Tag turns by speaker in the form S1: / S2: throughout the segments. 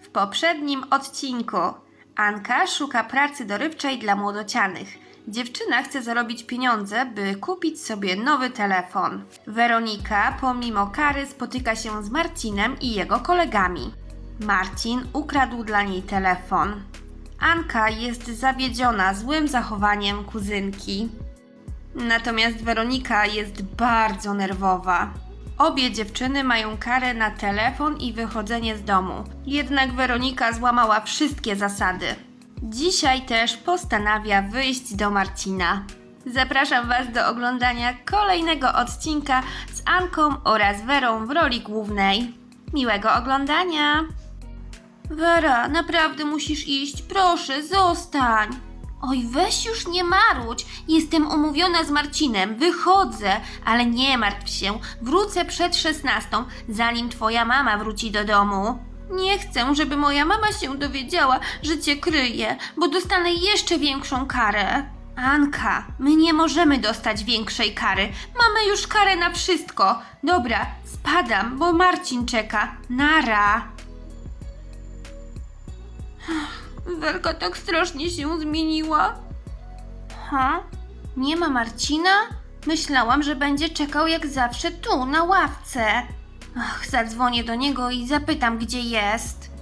S1: W poprzednim odcinku Anka szuka pracy dorywczej dla młodocianych. Dziewczyna chce zarobić pieniądze, by kupić sobie nowy telefon. Weronika pomimo kary spotyka się z Marcinem i jego kolegami. Marcin ukradł dla niej telefon. Anka jest zawiedziona złym zachowaniem kuzynki. Natomiast Weronika jest bardzo nerwowa. Obie dziewczyny mają karę na telefon i wychodzenie z domu. Jednak Weronika złamała wszystkie zasady. Dzisiaj też postanawia wyjść do Marcina. Zapraszam Was do oglądania kolejnego odcinka z Anką oraz Werą w roli głównej. Miłego oglądania! Wera, naprawdę musisz iść. Proszę, zostań. Oj, weź już nie marudź. Jestem umówiona z Marcinem. Wychodzę, ale nie martw się. Wrócę przed 16, zanim twoja mama wróci do domu. Nie chcę, żeby moja mama się dowiedziała, że cię kryje, bo dostanę jeszcze większą karę. Anka, my nie możemy dostać większej kary. Mamy już karę na wszystko. Dobra, spadam, bo Marcin czeka. Nara. Werka tak strasznie się zmieniła. Nie ma Marcina? Myślałam, że będzie czekał jak zawsze tu, na ławce. Zadzwonię do niego i zapytam, gdzie jest.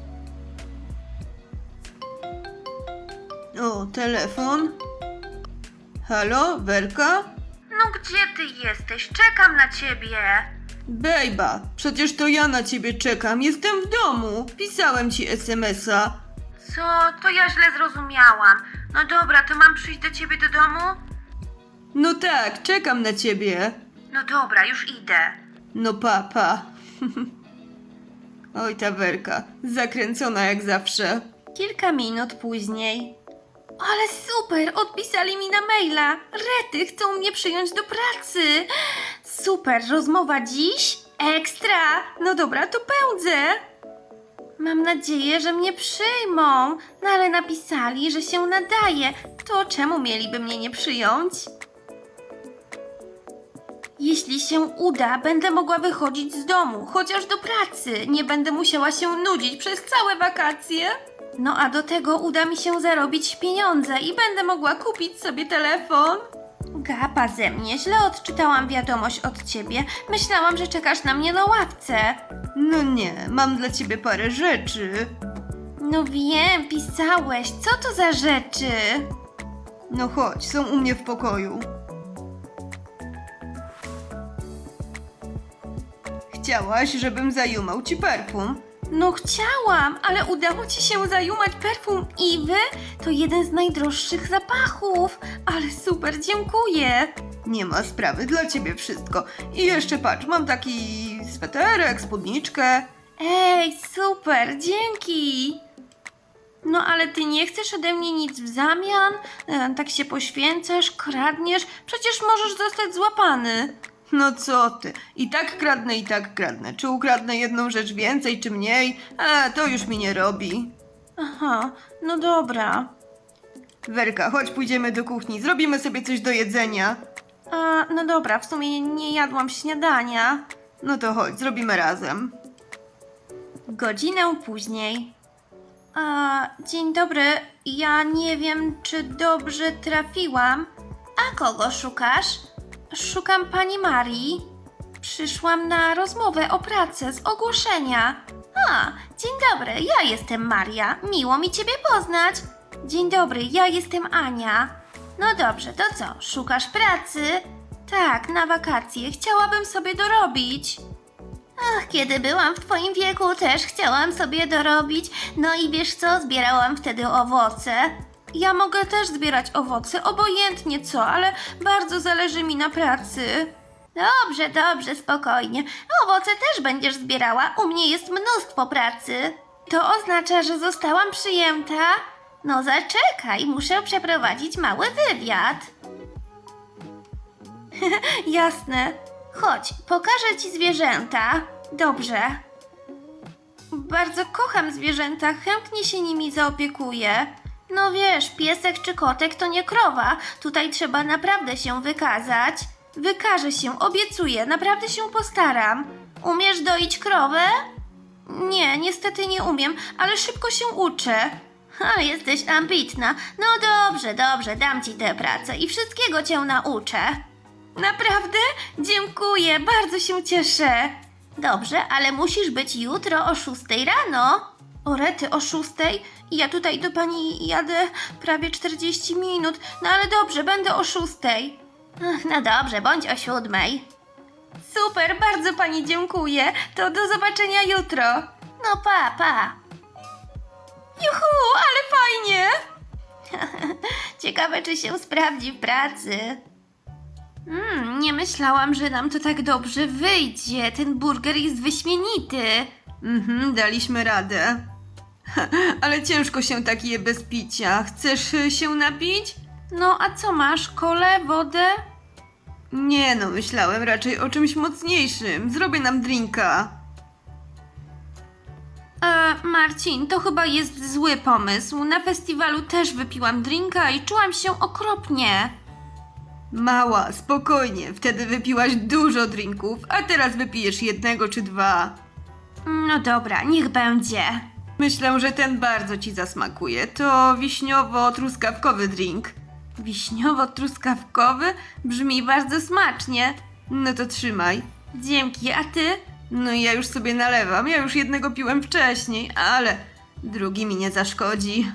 S2: O, telefon? Halo, Werka?
S1: No gdzie ty jesteś? Czekam na ciebie.
S2: Bejba, przecież to ja na ciebie czekam. Jestem w domu. Pisałem ci SMS-a.
S1: Co? To ja źle zrozumiałam. No dobra, to mam przyjść do ciebie do domu?
S2: No tak, czekam na ciebie.
S1: No dobra, już idę.
S2: No papa. Oj, ta Werka, zakręcona jak zawsze.
S1: Kilka minut później. Ale super, odpisali mi na maila. Rety, chcą mnie przyjąć do pracy. Super, rozmowa dziś? Ekstra. No dobra, to pędzę. Mam nadzieję, że mnie przyjmą. No ale napisali, że się nadaje. To czemu mieliby mnie nie przyjąć? Jeśli się uda, będę mogła wychodzić z domu, chociaż do pracy. Nie będę musiała się nudzić przez całe wakacje. No a do tego uda mi się zarobić pieniądze i będę mogła kupić sobie telefon. Gapa ze mnie, źle odczytałam wiadomość od ciebie. Myślałam, że czekasz na mnie na ławce.
S2: No nie, mam dla ciebie parę rzeczy.
S1: No wiem, pisałeś. Co to za rzeczy?
S2: No chodź, są u mnie w pokoju. Chciałaś, żebym zajumał ci perfum?
S1: No chciałam, ale udało ci się zajumać perfum Iwy? To jeden z najdroższych zapachów. Ale super, dziękuję.
S2: Nie ma sprawy, dla ciebie wszystko. I jeszcze patrz, mam taki sweterek, spódniczkę.
S1: Ej, super, dzięki. No ale ty nie chcesz ode mnie nic w zamian? Tak się poświęcasz, kradniesz? Przecież możesz zostać złapany.
S2: No co ty, i tak kradnę, i tak kradnę. Czy ukradnę jedną rzecz więcej, czy mniej? To już mi nie robi.
S1: Aha, no dobra.
S2: Werka, chodź pójdziemy do kuchni, zrobimy sobie coś do jedzenia.
S1: No dobra, w sumie nie jadłam śniadania.
S2: No to chodź, zrobimy razem.
S1: Godzinę później. Dzień dobry, ja nie wiem, czy dobrze trafiłam. A kogo szukasz? Szukam pani Marii. Przyszłam na rozmowę o pracę z ogłoszenia. Dzień dobry, ja jestem Maria. Miło mi ciebie poznać. Dzień dobry, ja jestem Ania. No dobrze, to co, szukasz pracy? Tak, na wakacje. Chciałabym sobie dorobić. Kiedy byłam w twoim wieku, też chciałam sobie dorobić. No i wiesz co, zbierałam wtedy owoce. Ja mogę też zbierać owoce, obojętnie co, ale bardzo zależy mi na pracy. Dobrze, dobrze, spokojnie. Owoce też będziesz zbierała, u mnie jest mnóstwo pracy. To oznacza, że zostałam przyjęta? No zaczekaj, muszę przeprowadzić mały wywiad. Jasne. Chodź, pokażę ci zwierzęta. Dobrze. Bardzo kocham zwierzęta, chętnie się nimi zaopiekuję. No wiesz, piesek czy kotek to nie krowa. Tutaj trzeba naprawdę się wykazać. Wykażę się, obiecuję, naprawdę się postaram. Umiesz doić krowę? Nie, niestety nie umiem, ale szybko się uczę. Ha, jesteś ambitna. No dobrze, dobrze, dam ci tę pracę i wszystkiego cię nauczę. Naprawdę? Dziękuję, bardzo się cieszę. Dobrze, ale musisz być jutro o 6 rano. O rety, o 6? Ja tutaj do pani jadę prawie 40 minut. No ale dobrze, będę o 6. Ach, no dobrze, bądź o 7. Super, bardzo pani dziękuję. To do zobaczenia jutro. No pa, pa. Juhu, ale fajnie. Ciekawe, czy się sprawdzi w pracy. Nie myślałam, że nam to tak dobrze wyjdzie. Ten burger jest wyśmienity.
S2: Daliśmy radę. Ale ciężko się tak je bez picia. Chcesz się napić?
S1: No, a co masz? Kolę, wodę?
S2: Nie no, myślałem raczej o czymś mocniejszym. Zrobię nam drinka.
S1: Marcin, to chyba jest zły pomysł. Na festiwalu też wypiłam drinka i czułam się okropnie.
S2: Mała, spokojnie. Wtedy wypiłaś dużo drinków, a teraz wypijesz 1 czy 2.
S1: No dobra, niech będzie.
S2: Myślę, że ten bardzo ci zasmakuje. To wiśniowo-truskawkowy drink.
S1: Wiśniowo-truskawkowy? Brzmi bardzo smacznie.
S2: No to trzymaj.
S1: Dzięki, a ty?
S2: No i ja już sobie nalewam. Ja już 1 piłem wcześniej, ale drugi mi nie zaszkodzi.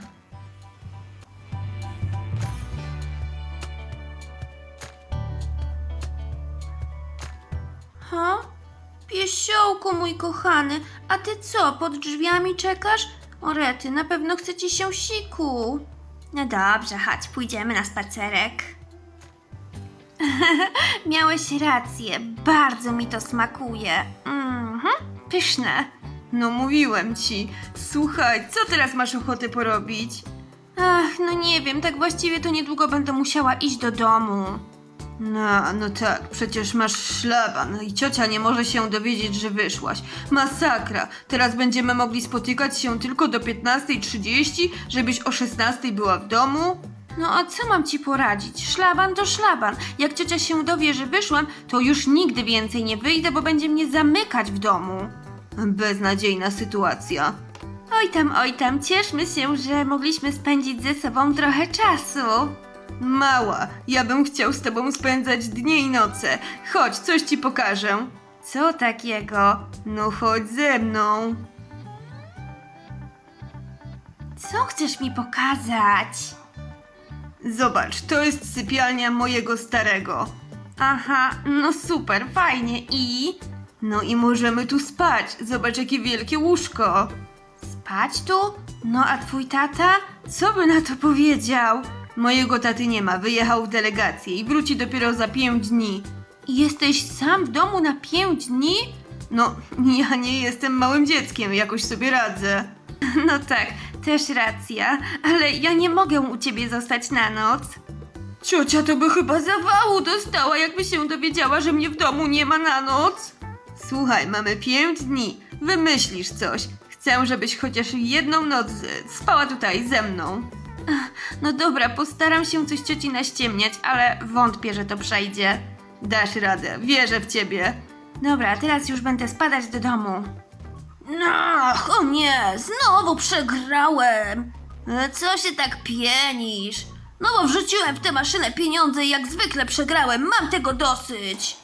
S1: Ha? Piesiołku mój kochany, a ty co, pod drzwiami czekasz? O rety, na pewno chce ci się siku. No dobrze, chodź, pójdziemy na spacerek. Miałeś rację, bardzo mi to smakuje. Pyszne.
S2: No mówiłem ci. Słuchaj, co teraz masz ochotę porobić?
S1: Ach, no nie wiem, tak właściwie to niedługo będę musiała iść do domu.
S2: No tak, przecież masz szlaban i ciocia nie może się dowiedzieć, że wyszłaś. Masakra. Teraz będziemy mogli spotykać się tylko do 15:30, żebyś o 16:00 była w domu?
S1: No a co mam ci poradzić? Szlaban to szlaban. Jak ciocia się dowie, że wyszłam, to już nigdy więcej nie wyjdę, bo będzie mnie zamykać w domu.
S2: Beznadziejna sytuacja.
S1: Oj tam, cieszmy się, że mogliśmy spędzić ze sobą trochę czasu.
S2: Mała, ja bym chciał z tobą spędzać dnie i noce. Chodź, coś ci pokażę.
S1: Co takiego?
S2: No chodź ze mną.
S1: Co chcesz mi pokazać?
S2: Zobacz, to jest sypialnia mojego starego.
S1: Aha, no super, fajnie i...
S2: No i możemy tu spać. Zobacz, jakie wielkie łóżko.
S1: Spać tu? No a twój tata? Co by na to powiedział?
S2: Mojego taty nie ma, wyjechał w delegację i wróci dopiero za 5 dni.
S1: Jesteś sam w domu na 5 dni?
S2: No, ja nie jestem małym dzieckiem, jakoś sobie radzę.
S1: No tak, też racja, ale ja nie mogę u ciebie zostać na noc.
S2: Ciocia to by chyba zawału dostała, jakby się dowiedziała, że mnie w domu nie ma na noc. Słuchaj, mamy 5 dni, wymyślisz coś. Chcę, żebyś chociaż 1 noc spała tutaj ze mną.
S1: No dobra, postaram się coś cioci naściemniać, ale wątpię, że to przejdzie.
S2: Dasz radę, wierzę w ciebie.
S1: Dobra, teraz już będę spadać do domu. Ach, o nie, znowu przegrałem. Co się tak pienisz? No bo wrzuciłem w tę maszynę pieniądze i jak zwykle przegrałem, mam tego dosyć.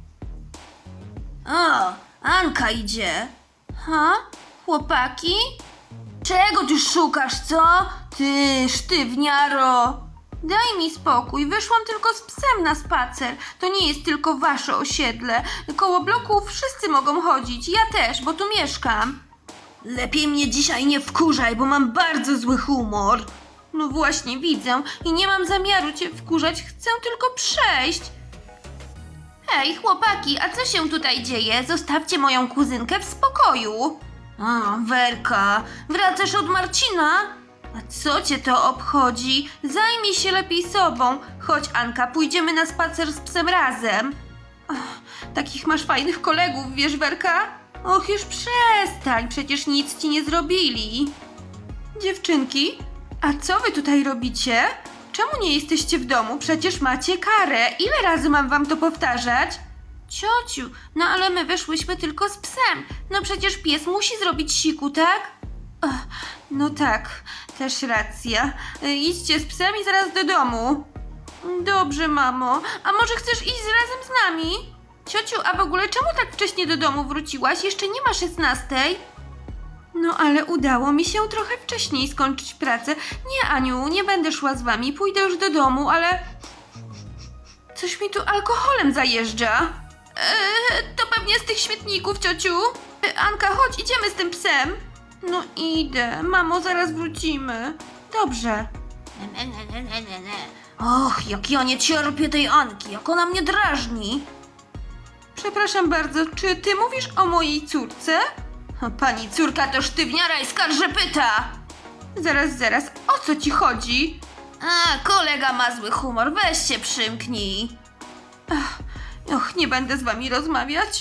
S1: O, Anka idzie. Ha? Chłopaki? Czego ty szukasz, co? Ty, sztywniaro! Daj mi spokój, wyszłam tylko z psem na spacer. To nie jest tylko wasze osiedle. Koło bloków wszyscy mogą chodzić, ja też, bo tu mieszkam. Lepiej mnie dzisiaj nie wkurzaj, bo mam bardzo zły humor. No właśnie, widzę i nie mam zamiaru cię wkurzać, chcę tylko przejść. Hej, chłopaki, a co się tutaj dzieje? Zostawcie moją kuzynkę w spokoju. A, Werka, wracasz od Marcina? A co cię to obchodzi? Zajmij się lepiej sobą. Chodź, Anka, pójdziemy na spacer z psem razem. Ach, takich masz fajnych kolegów, wiesz, Werka? Och, już przestań, przecież nic ci nie zrobili. Dziewczynki, a co wy tutaj robicie? Czemu nie jesteście w domu? Przecież macie karę. Ile razy mam wam to powtarzać? Ciociu, no ale my wyszłyśmy tylko z psem. No przecież pies musi zrobić siku, tak?
S2: No tak, też racja. Idźcie z psem i zaraz do domu. Dobrze, mamo. A może chcesz iść razem z nami?
S1: Ciociu, a w ogóle czemu tak wcześnie do domu wróciłaś? Jeszcze nie ma 16.
S2: No ale udało mi się trochę wcześniej skończyć pracę. Nie, Aniu, nie będę szła z wami, pójdę już do domu, ale... Coś mi tu alkoholem zajeżdża.
S1: To pewnie z tych śmietników, ciociu. Anka, chodź, idziemy z tym psem.
S2: No idę, mamo, zaraz wrócimy. Dobrze.
S1: Och, jak ja nie cierpię tej Anki, jak ona mnie drażni.
S2: Przepraszam bardzo, czy ty mówisz o mojej córce?
S1: Pani córka to sztywniara i skarżepyta.
S2: Zaraz, o co ci chodzi?
S1: A, kolega ma zły humor, weź się przymknij.
S2: Och, nie będę z wami rozmawiać.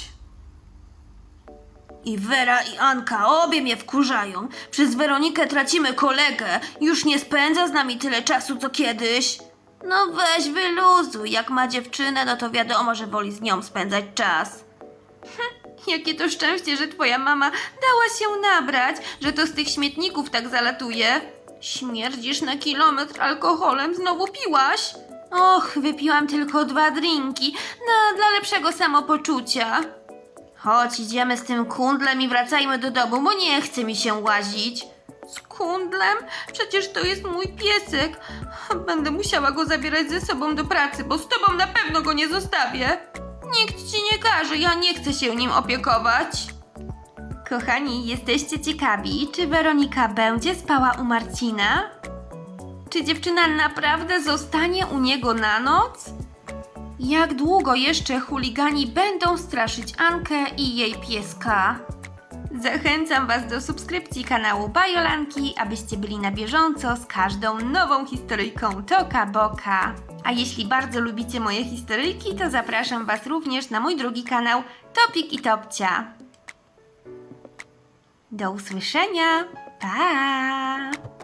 S1: I Wera i Anka, obie mnie wkurzają. Przez Weronikę tracimy kolegę. Już nie spędza z nami tyle czasu, co kiedyś. No weź wyluzuj, jak ma dziewczynę, no to wiadomo, że woli z nią spędzać czas.
S2: Jakie to szczęście, że twoja mama dała się nabrać, że to z tych śmietników tak zalatuje. Śmierdzisz na kilometr alkoholem, znowu piłaś?
S1: Och, wypiłam tylko 2 drinki, no dla lepszego samopoczucia. Chodź, idziemy z tym kundlem i wracajmy do domu, bo nie chce mi się łazić.
S2: Z kundlem? Przecież to jest mój piesek. Będę musiała go zabierać ze sobą do pracy, bo z tobą na pewno go nie zostawię.
S1: Nikt ci nie każe, ja nie chcę się nim opiekować. Kochani, jesteście ciekawi, czy Weronika będzie spała u Marcina? Czy dziewczyna naprawdę zostanie u niego na noc? Jak długo jeszcze chuligani będą straszyć Ankę i jej pieska? Zachęcam Was do subskrypcji kanału Bajolanki, abyście byli na bieżąco z każdą nową historyjką Toka Boka. A jeśli bardzo lubicie moje historyjki, to zapraszam Was również na mój drugi kanał Topik i Topcia. Do usłyszenia! Pa!